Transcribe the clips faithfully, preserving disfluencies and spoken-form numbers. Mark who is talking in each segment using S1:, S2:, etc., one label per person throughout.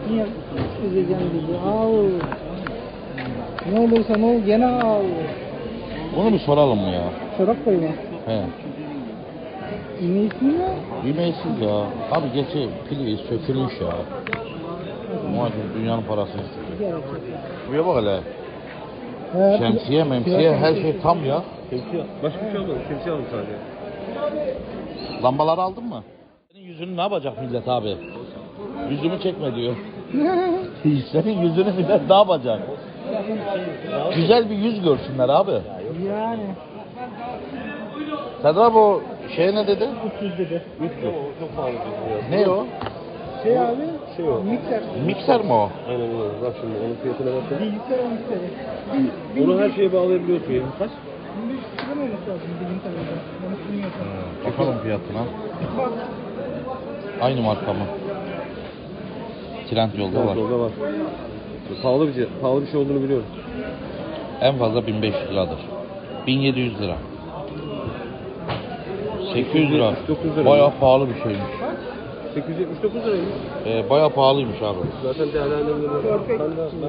S1: Niye üzeceğim bizi? Al. Ne olursa ne ol gene al.
S2: Bunu bir soralım mı ya?
S1: Çorap koyma.
S2: He.
S1: İğneysin ya.
S2: Yemeğsiz ya. Abi geçi pili sökülmüş ya. Muhacım dünyanın parasını istiyor. Buraya bak hele.
S1: He,
S2: Şemsiye, memsiye her şey tam ya.
S3: Şemsiye. Başka bir şey almadım. Şemsiye aldım sadece.
S2: Lambaları aldın mı? Senin yüzünü ne yapacak millet abi? Yüzümü çekme diyor. Senin yüzünü millet ne yapacak? Güzel bir yüz görsünler abi.
S1: Yani.
S2: Serdar abi o şey ne dedi?
S1: üç yüz dedi.
S3: üç yüz. Çok pahalı bir
S2: Ne o?
S1: Şey abi.
S3: Şey o.
S1: Mikser.
S2: Mikser mi o?
S3: Aynen öyle. Bak şimdi onun fiyatına bak.
S1: Bilgisayar on mikseri. Bin, bin,
S3: Onu her şeye bağlayabiliyorsun. Yani. Kaç?
S1: bin beş yüz lira mı olması lazım bildiğim kadarıyla. Yanlış bilmiyorsam.
S2: Bakalım fiyatına.
S1: Bak.
S2: Aynı marka mı? Trend yolda var.
S3: Yolda var. Pahalı bir şey, pahalı bir şey olduğunu biliyorum.
S2: En fazla bin beş yüz liradır. bin yedi yüz lira. sekiz yüz lira.
S3: dokuz lira.
S2: Bayağı pahalı bir şeymiş.
S3: sekiz yüz yetmiş dokuz liraymış.
S2: Ee, bayağı pahalıymış abi.
S3: Zaten değerlendirmeleri. Ben de ben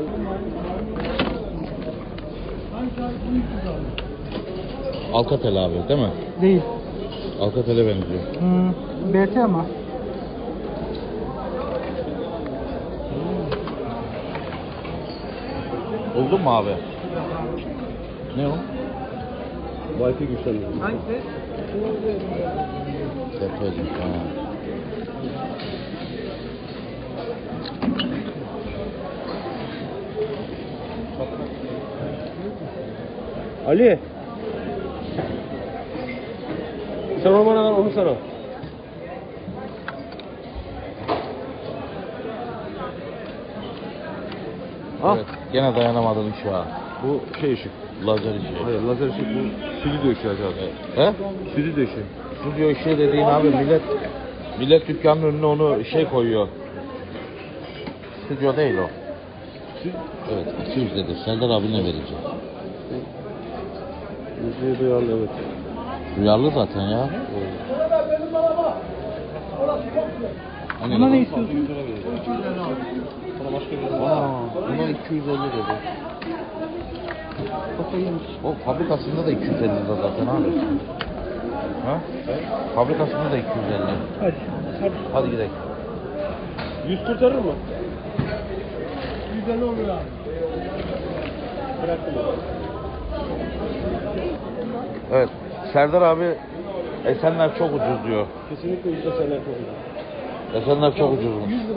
S2: Alcatel abi değil mi?
S1: Değil.
S2: Alcatel'e benziyor.
S1: Hmm. B T ama.
S2: Buldun mu abi? Ne o?
S3: Wi-Fi güçlendiriyor.
S1: Hangisi?
S2: Deprezim. Ha.
S3: Ali. Sen onu bana ver, onu sana. Ah.
S2: Evet, gene dayanamadın ışığa. Bu şey ışık, lazer ışığı.
S3: Hayır, lazer ışık bu. Stüdyo ışığı abi.
S2: He?
S3: Stüdyo ışığı.
S2: Stüdyo ışığı dediğin abi millet millet dükkanın önüne onu şey koyuyor. Stüdyo değil o. Evet, iki yüz dedi. Serdar abi ne verecek?
S3: Müziği duyarlı, evet.
S2: Duyarlı zaten ya. Hani
S1: Buna ne istiyorsun?
S2: Aa, buna iki yüz elli dedi.
S1: Kafayı yemiş.
S2: O fabrikasında da iki yüz elli lira zaten abi. Ha? Fabrikasında da iki yüz elli.
S1: Hadi. Hadi.
S2: Hadi gidelim.
S3: yüz kurtarır mı?
S1: Güzel olur abi.
S3: Bıraktım abi.
S2: Evet. Serdar abi Esenler çok ucuz diyor.
S3: Kesinlikle yüzde seneler çok iyi.
S2: Esenler çok ucuzmuş.